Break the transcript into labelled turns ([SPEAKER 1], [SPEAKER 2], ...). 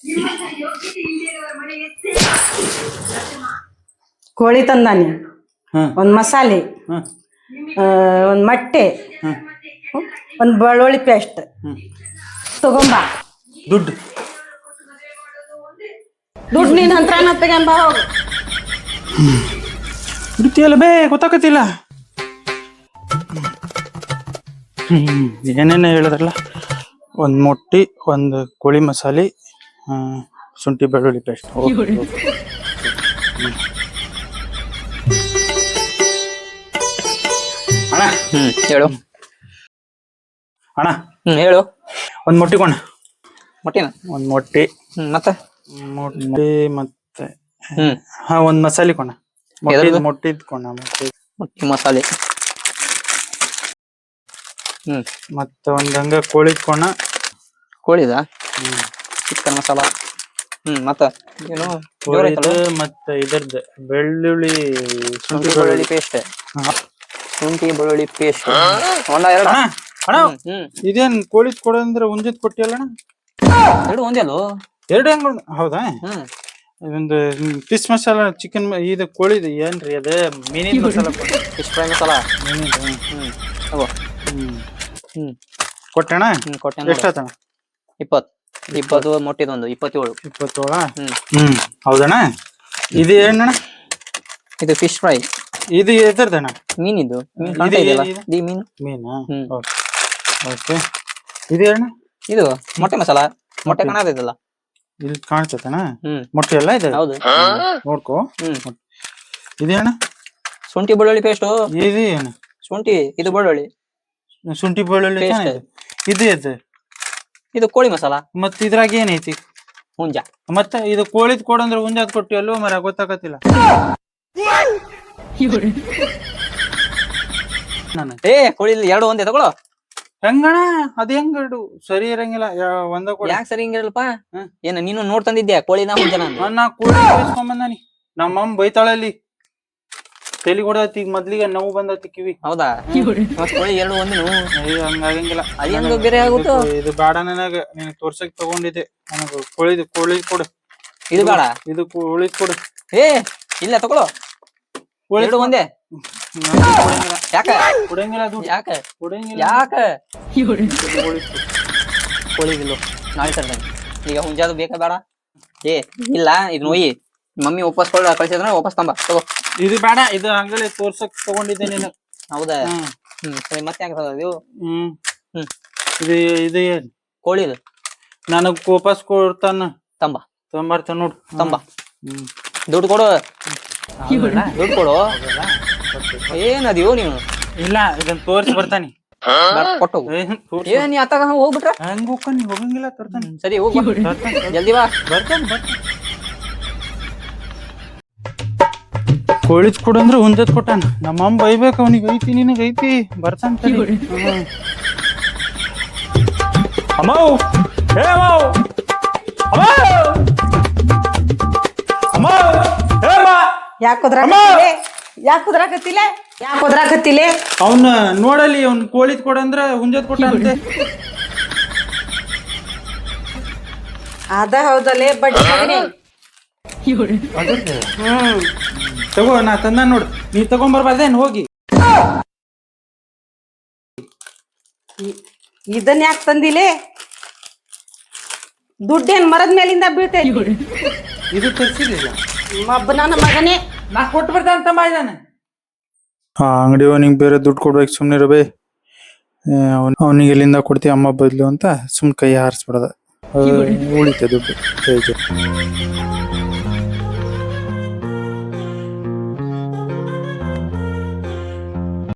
[SPEAKER 1] ಕೋಳಿ ತಂದಾನೆ, ಒಂದ್ ಮಸಾಲೆ, ಒಂದ್ ಮೊಟ್ಟೆ, ಒಂದ್ ಬೆಳ್ಳುಳ್ಳಿ ಪೇಸ್ಟ್ ತಗೊಂಬ.
[SPEAKER 2] ದುಡ್ಡು
[SPEAKER 1] ನೀನ್ ಹತ್ರ ತಗೊಂಬ ಹೋಗು.
[SPEAKER 2] ಬಿಡ್ತೀಯಲ್ಲ ಬೇ, ಗೊತ್ತಾಗತ್ತಿಲ್ಲ. ಏನೇನು ಹೇಳಿದ್ರಲ್ಲ, ಒಂದು ಮೊಟ್ಟಿ, ಒಂದು ಕೋಳಿ ಮಸಾಲೆ, ಶುಂಠಿ ಬೆಳ್ಳುಳ್ಳಿ ಪೇಸ್ಟ್. ಅಣ್ಣ
[SPEAKER 3] ಹೇಳು
[SPEAKER 2] ಅಣ್ಣ.
[SPEAKER 3] ಹೇಳು.
[SPEAKER 2] ಒಂದು ಮೊಟ್ಟಿ ಕೊಣ.
[SPEAKER 3] ಮೊಟ್ಟಿನ
[SPEAKER 2] ಒಂದು ಮೊಟ್ಟಿ,
[SPEAKER 3] ಮತ್ತೆ
[SPEAKER 2] ಮೊಟ್ಟಿ ಮತ್ತೆ ಒಂದು ಮಸಾಲೆ ಕೊಣ. ಮೊಟ್ಟಿದ್ ಕೊಣ.
[SPEAKER 3] ಮೊಟ್ಟಿ ಮಸಾಲೆ
[SPEAKER 2] ಮತ್ತೆ ಒಂದ್ ಹಂಗ ಕೋಳಿದ್ ಕೊಣ.
[SPEAKER 3] ಕೋಳಿದ ಚಿಕನ್ ಮಸಾಲ. ಮತ್ತ ಏನು
[SPEAKER 2] ಮತ್ತೆ ಇದ್ರದ್ದು ಬೆಳ್ಳುಳ್ಳಿ,
[SPEAKER 3] ಶುಂಠಿ ಬೆಳ್ಳುಳ್ಳಿ ಪೇಸ್ಟ್. ಶುಂಠಿ ಬೆಳ್ಳುಳ್ಳಿ ಪೇಸ್ಟ್ ಒಂದ ಎರಡು.
[SPEAKER 2] ಅಣ್ಣ ಇದೇನ್ ಕೋಳಿದ್ ಕೊಡಂದ್ರೆ ಒಂದಿದ್ ಕೊಟ್ಟಿಯಲ್ಲ ಅಣ್ಣ?
[SPEAKER 3] ಎರಡು ಒಂದೇ ಅಲ್ಲೋ.
[SPEAKER 2] ಎರಡು ಹೆಂಗ್? ಹೌದಾ? ಒಂದು ಫಿಶ್ ಮಸಾಲ, ಚಿಕನ್, ಇದು ಕೋಳಿದು ಏನ್ರಿ ಅದ? ಮೀನಿನ ಮಸಾಲ,
[SPEAKER 3] ಫಿಶ್ ಫ್ರೈ ಮಸಾಲ
[SPEAKER 2] ಕೊಟ್ಟಣ.
[SPEAKER 3] ಕೊಟ್ಟೆ.
[SPEAKER 2] ಎಷ್ಟಾತಣ?
[SPEAKER 3] 20 ಮೊಟ್ಟಿದೊಂದು 27.
[SPEAKER 2] 27. ಹೌದಣ್ಣ. ಇದು ಏನಣ್ಣ?
[SPEAKER 3] ಇದು ಫಿಶ್ ಫ್ರೈ.
[SPEAKER 2] ಇದು ಎದರ್ದಣ್ಣ?
[SPEAKER 3] ಮೀನಿದು. ಮೀನು.
[SPEAKER 2] ಓಕೆ. ಇದು ಅಣ್ಣ?
[SPEAKER 3] ಇದು ಮೊಟ್ಟೆ ಮಸಾಲ. ಮೊಟ್ಟೆ ಕಾಣತೈತಲ್ಲ
[SPEAKER 2] ಇಲ್ಲಿ, ಕಾಣ್ತೈತಣ್ಣ ಮೊಟ್ಟೆ ಎಲ್ಲ ಇದೆ.
[SPEAKER 3] ಹೌದು,
[SPEAKER 2] ನೋಡ್ಕೋ. ಇದು ಅಣ್ಣ?
[SPEAKER 3] ಶುಂಠಿ ಬೆಳ್ಳುಳ್ಳಿ ಪೇಸ್ಟ್.
[SPEAKER 2] ಇದು ಏನು?
[SPEAKER 3] ಶುಂಠಿ, ಇದು ಬೆಳ್ಳುಳ್ಳಿ.
[SPEAKER 2] ಶುಂಠಿ ಬೆಳ್ಳುಳ್ಳಿ ಇದು ಎದ್ದು.
[SPEAKER 3] ಇದು ಕೋಳಿ ಮಸಾಲ.
[SPEAKER 2] ಮತ್ ಇದ್ರಾಗ ಏನೈತಿ?
[SPEAKER 3] ಹುಂಜ.
[SPEAKER 2] ಮತ್ತೆ ಇದು ಕೋಳಿದ್ ಕೊಡಂದ್ರೆ ಹುಂಜಾದ್ ಕೊಟ್ಟಿ ಅಲ್ಲೋ ಮರ, ಗೊತ್ತಾಗತ್ತಿಲ್ಲ.
[SPEAKER 3] ಕೋಳಿ ಎರಡು ಒಂದೇ ತಗೊಳ್ಳೋ.
[SPEAKER 2] ಹೆಂಗಣ ಅದ? ಹೆಂಗ ಸರಿ ಇರಂಗಿಲ್ಲ. ಒಂದ ಕೊಡ.
[SPEAKER 3] ಯಾಕೆ ಸರಿ ಹಿಂಗಿರಲ್ಪ? ಏನ ನೀನು ನೋಡ್ತಂದಿದ್ಯಾ ಕೋಳಿನ ಹುಂಜನ?
[SPEAKER 2] ನಾ ಕೋಳಿ ಬೇಯಿಸ್ಕೊಂಬಂದಾನಿ. ನಮ್ಮಮ್ಮ ಬೈತಾಳಲ್ಲಿ, ತಲಿ ಕೊಡತಿ. ಈಗ ಮೊದ್ಲಿಗೆ ನೋವು ಬಂದತಿ ಕಿವಿ.
[SPEAKER 3] ಹೌದಾ? ಕೋಳಿ ಎರಡು ಒಂದಿನ
[SPEAKER 2] ಹಂಗಾಗಂಗಿಲ್ಲ.
[SPEAKER 3] ಅದೇಂಗ ಬೇರೆ ಆಗುತ್ತೋ? ಇದು
[SPEAKER 2] ಬೇಡ, ನನಗ ನಿನಗ್ ತೋರ್ಸಕ್ ತಗೊಂಡಿದ್ದೆ. ನನಗ ಕೋಳಿ ಕೊಡು.
[SPEAKER 3] ಇದು ಬೇಡ,
[SPEAKER 2] ಇದು ಕೋಳಿ ಕೊಡು.
[SPEAKER 3] ಇಲ್ಲ ತಗೊಳ್ಳೋ. ಎರಡು ಒಂದೇ. ಯಾಕೆ
[SPEAKER 2] ಕೊಡಂಗಿಲ್ಲ ದುಡ್ಡು?
[SPEAKER 3] ಯಾಕೆ
[SPEAKER 2] ಕೊಡಂಗಿಲ್ಲ.
[SPEAKER 3] ಯಾಕೆ? ಕೋಳಿಗಿಲ್ಲ, ನಾಳೆ ತರ್ತೇನೆ. ಈಗ ಹುಂಜಾದು ಬೇಕಾ ಬೇಡ? ಇಲ್ಲ, ಇದು ನೋಯಿ ಮಮ್ಮಿ ವಾಪಸ್ ಕಳ್ಸಿದ್ರ ವಾಪಸ್ ತಂಬ ತಗೋ.
[SPEAKER 2] ಇದು ಬೇಡ, ಇದು ಹಂಗಲೇ ತೋರ್ಸಕ್ ತಗೊಂಡಿದ್ದೆ ನೀನು.
[SPEAKER 3] ಹೌದಾ? ಸರಿ, ಮತ್ತೆ ಯಾಕೆ ಇದು?
[SPEAKER 2] ಇದು ಇದು ಏನ್
[SPEAKER 3] ಕೋಳಿದು?
[SPEAKER 2] ನನಗ್ ವಾಪಸ್ ಕೊಡ್ತಾನ. ತಂಬರ್ತಾನ ನೋಡು.
[SPEAKER 3] ತಂಬ. ದುಡ್ಡು ಕೊಡು. ದುಡ್ಡು ಕೊಡು. ಏನದಿಯೋ ನೀವು?
[SPEAKER 2] ಇಲ್ಲ, ಇದನ್ನ ತೋರ್ಸಿ ಬರ್ತಾನಿ.
[SPEAKER 3] ಕೊಟ್ಟು ನೀ ಅತ್ತಾಗ ಹೋಗ್ಬಿಟ್ರ
[SPEAKER 2] ಹಂಗ ಹೋಗ್ತಾನಿ. ಹೋಗಂಗಿಲ್ಲ, ತರ್ತಾನಿ.
[SPEAKER 3] ಸರಿ ಹೋಗ್, ಜಲ್ದಿ ಬಾ.
[SPEAKER 2] ಬರ್ತಾನೆ. ಕೋಳಿದ್ ಕೊಡಂದ್ರೆ ಹುಂಜದ್ ಕೊಟ್ಟಾನ. ನಮ್ಮಮ್ಮ ಬೈಬೇಕು ಅವನಿಗೆ. ಐತಿ ನಿನಗ ಐತಿ, ಬರ್ತಾನ.
[SPEAKER 1] ಯಾಕೋದ್ರಾಕತ್ತಿಲ್ಲ?
[SPEAKER 2] ಅವನ ನೋಡಲಿ, ಅವ್ನ ಕೋಳಿದ್ ಕೊಡಂದ್ರ ಹುಂಜದ್ ಕೊಟ್ಟಾನಂತೆ.
[SPEAKER 1] ಅದ ಹೌದಲ್ಲೇ ಬಡ್ಡಿ.
[SPEAKER 2] ತಗೋ, ನಾ ತಂದ ನೋಡು. ನೀ ತಗೊಂಬರ್ಬಾರ್ದೇನ್ ಹೋಗಿ?
[SPEAKER 1] ಇದನ್ನ ಯಾಕೆ ತಂದಿಲೆ? ದುಡ್ಡೇನ್ ಮರದ ಮೇಲಿಂದ ಬೀಳ್ತೇನೆ.
[SPEAKER 2] ಇದು ತರ್ಸಿರ್ಲಿಲ್ಲ.
[SPEAKER 1] ನನ್ನ ಮಗನೇ,
[SPEAKER 2] ನಾ ಕೊಟ್ಟು ಬರ್ತಾನ ತಮ್ಮ ಇದ್ದಾನೆ. ಅಂಗಡಿ ಅವನಿಗೆ ಬೇರೆ ದುಡ್ಡು ಕೊಡ್ಬೇಕು. ಸುಮ್ನೆ ಇರಬೇ. ಅವನಿಗೆ ಎಲ್ಲಿಂದ ಕೊಡ್ತೀವಿ ಅಮ್ಮ ಬದ್ಲು ಅಂತ ಸುಮ್ ಕೈ ಹಾರಿಸ್ಬಿಡದ. ಉಳಿತೆ ದುಡ್ಡು.